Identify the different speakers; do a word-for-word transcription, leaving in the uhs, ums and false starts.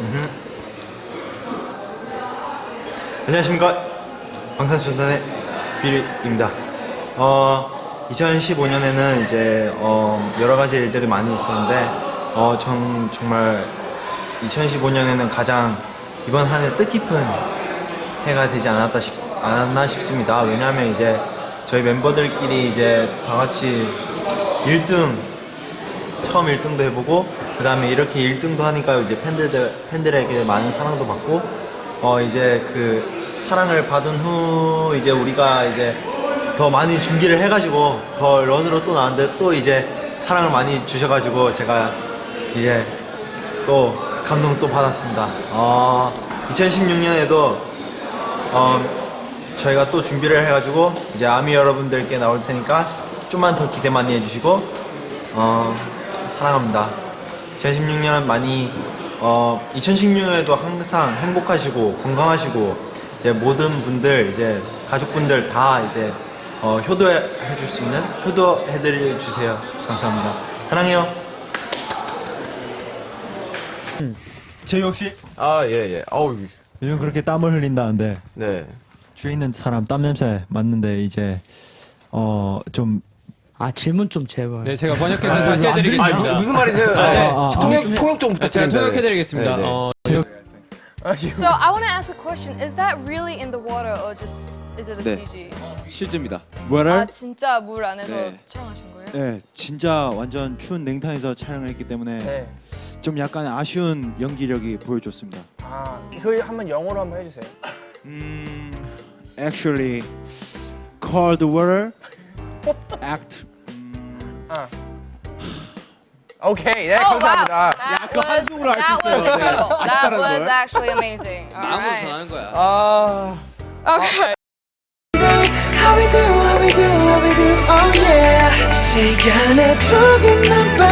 Speaker 1: 음흠. 안녕하십니까, 방탄소년단의 뷰리입니다. 어, 이천십오 년에는 이제 어, 여러 가지 일들이 많이 있었는데 어, 전 정말 이천십오 년에는 가장 이번 한 해 뜻깊은 해가 되지 않았다 싶, 않았나 싶습니다. 왜냐하면 이제 저희 멤버들끼리 이제 다 같이 일 등, 처음 일 등도 해보고 그 다음에 이렇게 일 등도 하니까 이제 팬들, 팬들에게 많은 사랑도 받고 어 이제 그 사랑을 받은 후 이제 우리가 이제 더 많이 준비를 해가지고 더 런으로 또 나왔는데 또 이제 사랑을 많이 주셔가지고 제가 이제 또 감동 또 받았습니다. 어, 이천십육 년에도 어, 저희가 또 준비를 해가지고 이제 아미 여러분들께 나올 테니까 좀만 더 기대 많이 해주시고 어, 사랑합니다. 이천십육 년 많이 어, 이천십육 년에도 항상 행복하시고 건강하시고 이제 모든 분들 이제 가족분들 다 이제 어, 효도해 줄 수 있는 효도해드려 주세요. 감사합니다. 사랑해요.
Speaker 2: 음. 재혁 씨,
Speaker 3: 아, 예, 예. 아우,
Speaker 2: 요즘 그렇게 땀을 흘린다는데
Speaker 3: 네.
Speaker 2: 주위에 있는 사람 땀 냄새 맡는데 이제 어 좀
Speaker 4: 아 질문 좀 제발.
Speaker 5: 네, 제가 번역해서
Speaker 2: 아,
Speaker 5: 다시
Speaker 2: 안
Speaker 5: 해드리겠습니다.
Speaker 3: 아, 무슨 말이세요?
Speaker 5: 아, 네.
Speaker 2: 아, 아,
Speaker 3: 통역, 통역 좀
Speaker 5: 아, 제가
Speaker 3: 부탁드립니다.
Speaker 5: 통역해드리겠습니다.
Speaker 3: 네, 네.
Speaker 5: 어,
Speaker 6: So I want to ask a question. Is that really in the water or just is it a
Speaker 7: 네.
Speaker 6: 씨지?
Speaker 7: 실제입니다.
Speaker 2: 뭐를?
Speaker 6: 아 진짜 물 안에서
Speaker 7: 네.
Speaker 6: 촬영하신 거예요?
Speaker 2: 네, 진짜 완전 추운 냉탕에서 촬영을 했기 때문에
Speaker 8: 네.
Speaker 2: 좀 약간 아쉬운 연기력이 보여줬습니다.
Speaker 8: 아, 이거 한번 영어로 한번 해주세요.
Speaker 2: 음, actually, cold water, act.
Speaker 8: 아. 오케이, 네,
Speaker 6: Oh wow,
Speaker 8: 감사합니다.
Speaker 6: that
Speaker 7: 그거
Speaker 6: was
Speaker 7: 한숨으로 할수
Speaker 6: that was
Speaker 7: 있어요. 네.
Speaker 6: incredible. That
Speaker 7: 아쉽다는
Speaker 6: was
Speaker 7: 걸.
Speaker 6: actually amazing. All
Speaker 7: 마음으로
Speaker 6: right.
Speaker 7: 전하는 거야.
Speaker 8: 아,
Speaker 6: Okay.
Speaker 9: How we do, how we do, how we do, oh yeah. 시간에 조금만